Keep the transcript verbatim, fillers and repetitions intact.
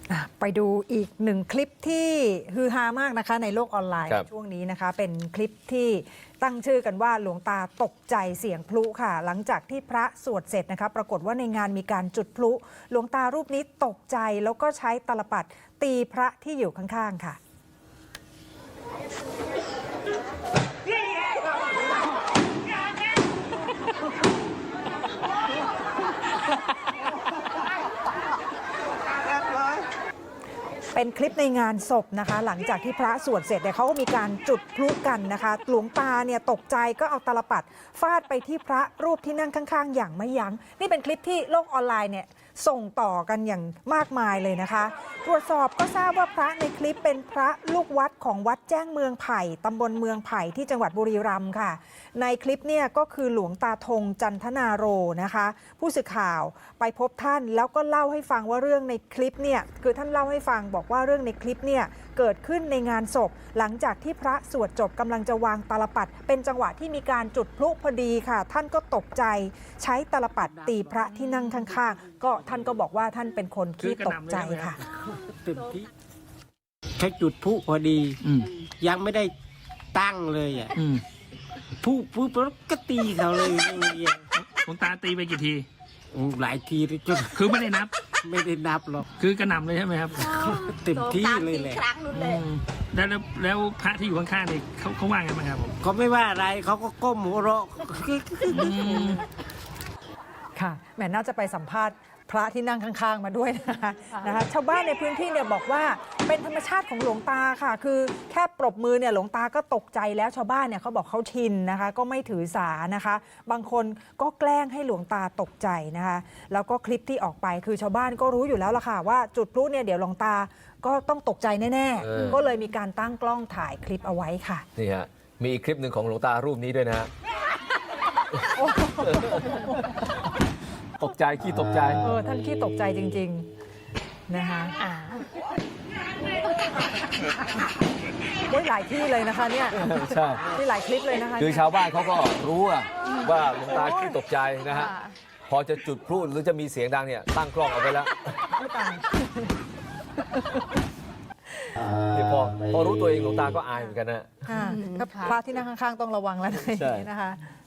ไปดูอีกหนึ่งคลิปที่ฮือฮามากนะคะในโลกออนไลน์ช่วงนี้นะคะเป็นคลิปที่ตั้งชื่อกันว่าหลวงตาตกใจเสียงพลุค่ะหลังจากที่พระสวดเสร็จนะคะปรากฏว่าในงานมีการจุดพลุหลวงตารูปนี้ตกใจแล้วก็ใช้ตลปัดตีพระที่อยู่ข้างๆค่ะเป็นคลิปในงานศพนะคะหลังจากที่พระสวดเสร็จเนี่ยเขาก็มีการจุดพลุกันนะคะหลวงตาเนี่ยตกใจก็เอาตลปัดฟาดไปที่พระรูปที่นั่งข้างๆอย่างไม่ยั้งนี่เป็นคลิปที่โลกออนไลน์เนี่ยส่งต่อกันอย่างมากมายเลยนะคะตรวจสอบก็ทราบว่าพระในคลิปเป็นพระลูกวัดของวัดแจ้งเมืองไผ่ตำบลเมืองไผ่ที่จังหวัดบุรีรัมย์ค่ะในคลิปเนี่ยก็คือหลวงตาธงจันทนาโรนะคะผู้สื่อข่าวไปพบท่านแล้วก็เล่าให้ฟังว่าเรื่องในคลิปเนี่ยคือท่านเล่าให้ฟังบอกว่าเรื่องในคลิปเนี่ยเกิดขึ้นในงานศพหลังจากที่พระสวดจบกำลังจะวางตาลปัดเป็นจังหวะที่มีการจุดพลุพอดีค่ะท่านก็ตกใจใช้ตาลปัดตีพระที่นั่งข้างๆก็ท่านก็บอกว่าท่านเป็นคนที่ตกใจค่ะตื่นที่แค่จุดพลุพอดียังไม่ได้ตั้งเลยอ่ะพลุปุ๊บแล้วก็ตีเขาเลยหลวงตาตีไปกี่ทีหลายทีเลยจนคือไม่ได้นับไม่ได้นับหรอกคือกระหน่ำเลยใช่ไหมครับเต็มที่เลยแหละแล้วแล้วพระที่อยู่ข้างๆนี่เขาเขาว่าไงบ้างครับผมเขาไม่ว่าอะไรเขาก็ก้มหัวเราะค่ะแหมน่าจะไปสัมภาษณ์พระที่นั่งข้างๆมาด้วยนะคะนะคะชาวบ้านในพื้นที่เนี่ยบอกว่าเป็นธรรมชาติของหลวงตาค่ะคือแค่ปรบมือเนี่ยหลวงตาก็ตกใจแล้วชาวบ้านเนี่ยเขาบอกเขาชินนะคะก็ไม่ถือสานะคะบางคนก็แกล้งให้หลวงตาตกใจนะคะแล้วก็คลิปที่ออกไปคือชาวบ้านก็รู้อยู่แล้วล่ะค่ะว่าจุดพลุเนี่ยเดี๋ยวหลวงตาก็ต้องตกใจแน่ๆก็เลยมีการตั้งกล้องถ่ายคลิปเอาไว้ค่ะนี่ฮะมีอีกคลิปหนึ่งของหลวงตารูปนี้ด้วยนะฮะตกใจขี้ตกใจเออท่านขี้ตกใจจริงๆนะคะโอ้ยหลายที่เลยนะคะเนี่ยใช่ที่หลายคลิปเลยนะคะคือชาวบ้านเขาก็รู้ว่าหลวงตาขี้ตกใจนะฮะพอจะจุดพลุหรือจะมีเสียงดังเนี่ยตั้งกล้องเอาไว้แล้วพอพอรู้ตัวเองหลวงตาก็อายเหมือนกันนะพระที่นั่งข้างๆต้องระวังแล้วนะคะ